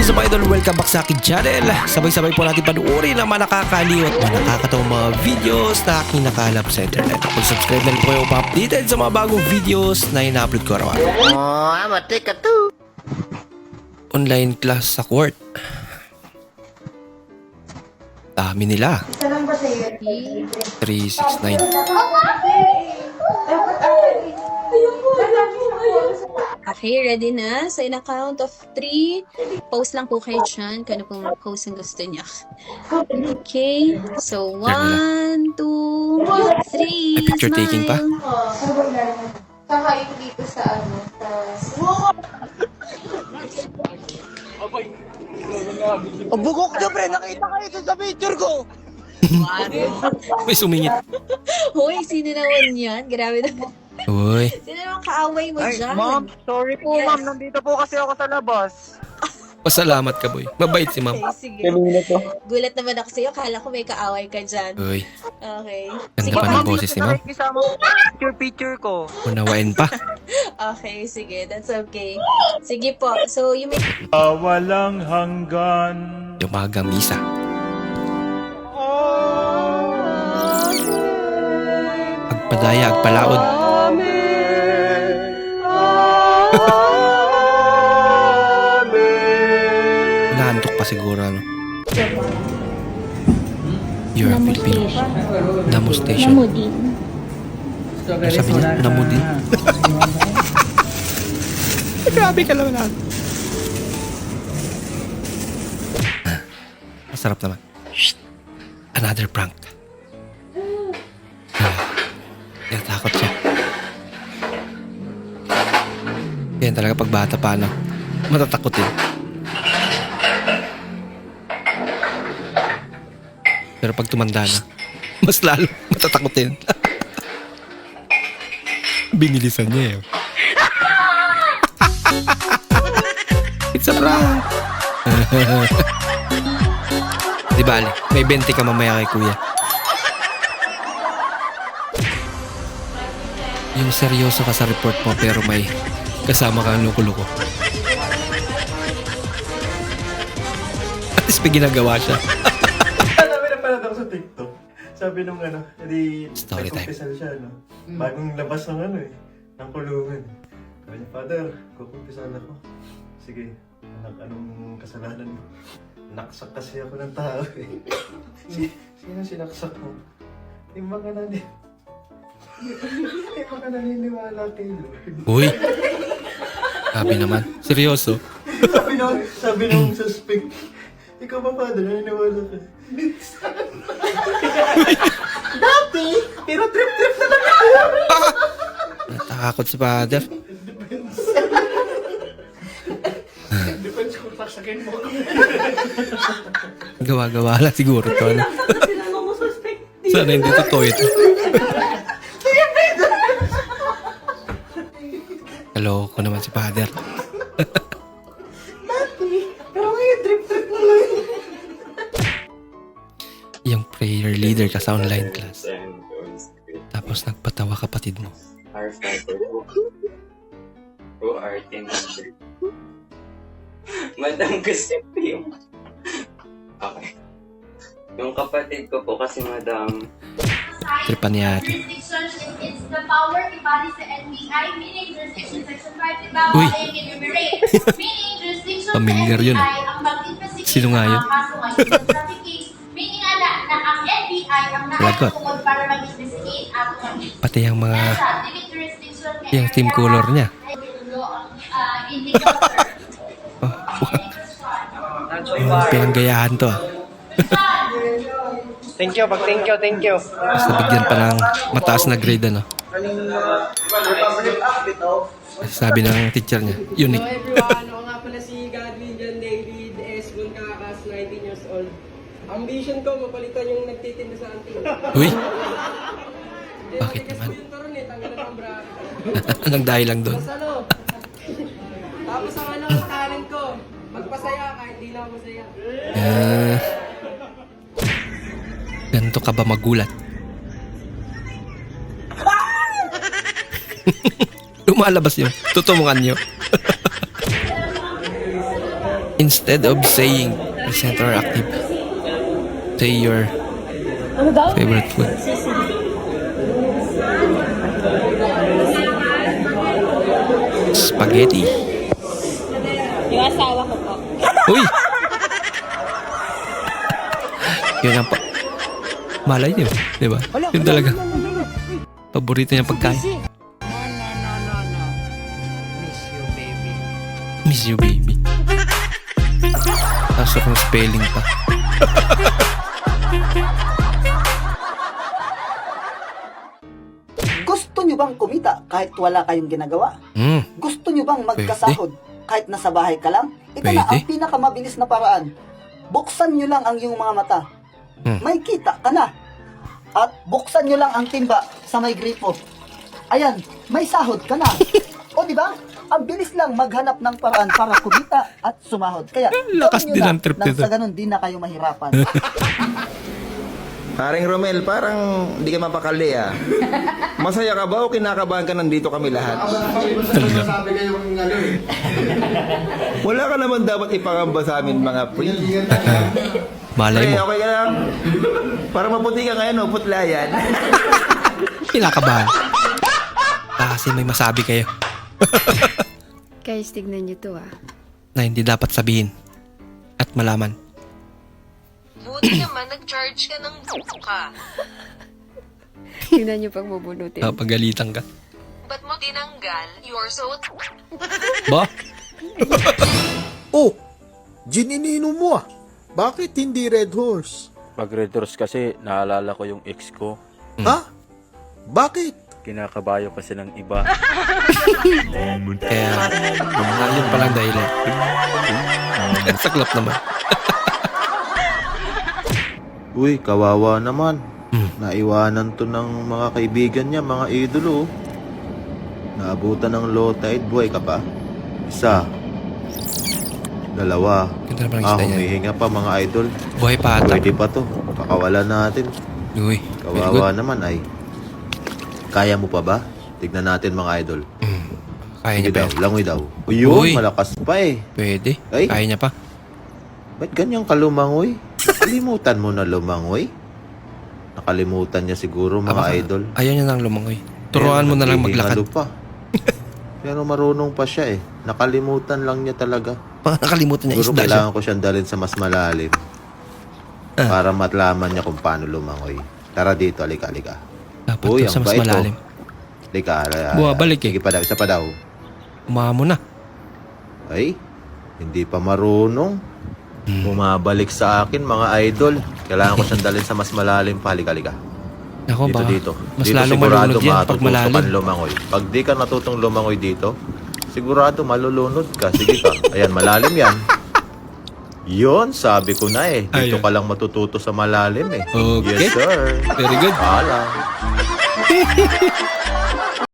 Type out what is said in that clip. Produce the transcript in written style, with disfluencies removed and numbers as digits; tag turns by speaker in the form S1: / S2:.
S1: is up idol, welcome back sa akin channel. Sabay-sabay po natin panuorin ang mga nakakaliw at mga nakakatawang mga videos na aking nakalap sa internet. Kung subscribe na rin po kayo pa-updated sa mga bagong videos na ina-upload ko araw.
S2: Oh, I'm a ticket too.
S1: Online class sa court. Dami nila. 369.
S3: Okay, ready na? So, in a count of 3, post lang po kayo dyan kung ano pong post ang gusto niya. Okay, so 1, 2, 3,
S1: May picture taking pa?
S4: Saka yung dito sa ano, sa...
S2: Ang bugok nyo, pre. Nakita kayo dun sa picture ko.
S1: May sumingit.
S3: Hoy, sino naman yan? Grabe naman.
S1: Uy.
S3: Sino naman kaaway mo
S2: Ay,
S3: dyan?
S2: ma'am. Sorry po,
S3: Yes.
S2: ma'am. Nandito po kasi ako sa labas.
S1: Pasalamat ka boy. Mabait si ma'am.
S3: Okay, sige. Gulat naman ako sa'yo. Kala ko may kaaway ka dyan.
S1: Uy.
S3: Okay.
S1: Ganda
S3: Sige
S1: pa
S3: po.
S1: ng boses ni ma'am.
S2: Nakikisama ko picture ko.
S1: Unawain pa.
S3: Okay, sige. That's okay. Sige po. So, you may...
S5: Walang hanggan.
S1: Umagang misa. Agpadaya, agpalaod. Naantok pa siguro ano. You're a Filipino. Damo station. Ano sabi niya? Damo din. Grabe ka naman lang. Masarap naman. Shh. Another prank. Natakot siya. Yan talaga pag bata pa ano. Matatakotin. Pero pag tumanda na, mas lalo matatakotin. Binilisan niya eh. It's a prank. Di bale, may 20 ka mamaya kay kuya. Yung seryoso ka sa report mo pero may kasama kang loko-loko. At least may ginagawa siya.
S5: Sabi na pala ako sa TikTok. Sabi nung ano, edi
S1: Story time.
S5: nagkumpisal siya, no? Bagong labas ng ano eh, ng kulungan. Sabi niya, Father, kukumpisal ako. Sige, anak, anong kasalanan mo? Naksak kasi ako ng tao eh. Sino sinaksak mo? Yung mga yung mga naniniwala kay Lord.
S1: Uy! Sabi naman, seryoso.
S5: sabi nung suspect, ikaw ba, Father, naniniwala ka? Dati, pero trip-trip na lang ako.
S1: Natakot si father.
S5: Depends kung saksakin mo.
S1: Gawa-gawa lang siguro to. Ano? Sana hindi totoo ito. Hello ko naman si father.
S5: Pero ngayon, trip-trip mo lang.
S1: Yung prayer leader ka sa online class. Tapos nagpatawa kapatid mo.
S6: Our Father who art in heaven. Madam, gusto ko yung... Okay. Yung kapatid ko po kasi madam...
S1: Tripan ni ate.
S7: Jurisdiction is the power embodied sa NBI, meaning jurisdiction section 5 bawal
S1: Uy.
S7: ay enumerate. Meaning jurisdiction sa
S1: Familiar
S7: NBI
S1: yun.
S7: ang mag-investigate
S1: Sino nga
S7: ng
S1: yun?
S7: mga kaso ngayon sa traffic case. Meaning na ang NBI ang
S1: Lagot.
S7: nakatungod para mag-investigate at
S1: Pati yung mga
S7: limit jurisdiction
S1: yung team color niya.
S7: indicator.
S1: Pinanggayahan to ah.
S2: Thank you, thank you.
S1: Tapos nabigyan pa ng mataas na grade ano. Sabi ng teacher niya, unique.
S8: Hello everyone, ako nga pala si Godwin John David S. Buncakas, 19 years old. Ambition ko, mapalitan yung nagtitinda sa anting.
S1: Uy! Bakit naman?
S8: Yung turon eh, tanggalan ng bra.
S1: Anong dahil lang doon?
S8: Tapos ano? Tapos ang ano sa talent ko, magpasaya kahit di na ako masaya.
S1: Ganito ka ba magulat? Lumalabas yun. Tutumungan nyo. Instead of saying present or active, say your favorite food. Spaghetti.
S3: Yung asawa ko po.
S1: Uy! Yun ang malay niyo, di ba? Yun talaga. Paborito niya pagkain. Miss you, baby. Pasok ng spelling pa.
S2: Gusto nyo bang kumita kahit wala kayong ginagawa? Gusto nyo bang magkasahod kahit nasa bahay ka lang? Ito na ang
S1: Pwede.
S2: pinakamabilis na paraan. Buksan nyo lang ang iyong mga mata. May kita ka na. At buksan nyo lang ang timba sa may gripo. Ayan, may sahod ka na. O di ba? Ang bilis lang maghanap ng paraan para kumita at sumahod. Kaya
S1: Lakas
S2: gawin nyo
S1: din
S2: na
S1: ang trip
S2: nang
S1: nito.
S2: sa ganun di na kayo mahirapan.
S9: Paring Romel, parang hindi ka mapakali ah. Masaya ka ba o kinakabahan ka nandito kami lahat? Wala ka naman dapat ipangamba sa amin mga pre.
S1: Malay
S9: Pre,
S1: mo.
S9: okay ka lang? Para maputi ka ngayon o putla yan.
S1: Kinakabahan. Kasi may masabi kayo
S10: Guys, tignan nyo to
S1: na hindi dapat sabihin at malaman.
S11: Buti naman, nag-charge ka ng ka.
S10: Tignan nyo pag mabunutin.
S1: Napagalitan ka.
S11: Ba't mo tinanggal? You're so...
S1: Ba?
S12: Oh, gininino mo ah. Bakit hindi Red Horse?
S13: Pag Red Horse kasi, naalala ko yung ex ko.
S12: Ha? Bakit?
S13: Kinakabayo kasi ng iba.
S1: Kaya, yun palang dahilan. Saklap naman.
S14: Uy, kawawa naman. Naiwanan to ng mga kaibigan niya, mga idolo. Naabutan ng low tide, buhay ka pa? Isa. Dalawa.
S1: Ganda naman ang isda niya.
S14: Humihinga pa mga idol.
S1: Buhay pa ata.
S14: Pwede pa to. Kakawalan natin.
S1: Uy, very good.
S14: Kawawa naman ay. Kaya mo pa ba? Tignan natin mga idol.
S1: Kaya niya
S14: Sige
S1: pa
S14: daw,
S1: yan.
S14: langoy daw. Uyun,
S1: Uy.
S14: malakas pa eh.
S1: Pwede.
S14: Ay.
S1: Kaya niya pa.
S14: Ba't ganyan ka lumangoy? Nakalimutan mo na lumangoy? Nakalimutan niya siguro mga
S1: Baka
S14: idol.
S1: Ayaw niya nang lumangoy. Turuan mo na lang maglakad.
S14: Naghihingalo pa. Pero marunong pa siya eh. Nakalimutan lang niya talaga.
S1: Baka nakalimutan niya
S14: Siguro
S1: isda siya.
S14: kailangan ko siyang dalhin sa mas malalim. Para matlaman niya kung paano lumangoy. Tara dito, alika.
S1: Dapat
S14: Uy,
S1: to sa
S14: ang
S1: mas
S14: bait,
S1: malalim.
S14: Alika.
S1: Bumabalik eh.
S14: Sige pa daw, isa pa daw.
S1: Umamo na.
S14: Ay, hindi pa marunong. Bumabalik sa akin mga idol. Kailangan ko siyang dalhin sa mas malalim pa. Halika.
S1: Ako ba?
S14: Dito.
S1: Mas
S14: Dito
S1: lalo
S14: sigurado
S1: malunod yan pag
S14: matututo ka
S1: malalim.
S14: lumangoy. Pag di ka natutong lumangoy dito, sigurado malulunod ka. Sige ka. Ayan, malalim yan. Yon, sabi ko na eh. Dito
S1: Ayun.
S14: ka lang matututo sa malalim eh.
S1: Okay.
S14: Yes, sir.
S1: Very good.
S14: Paalam.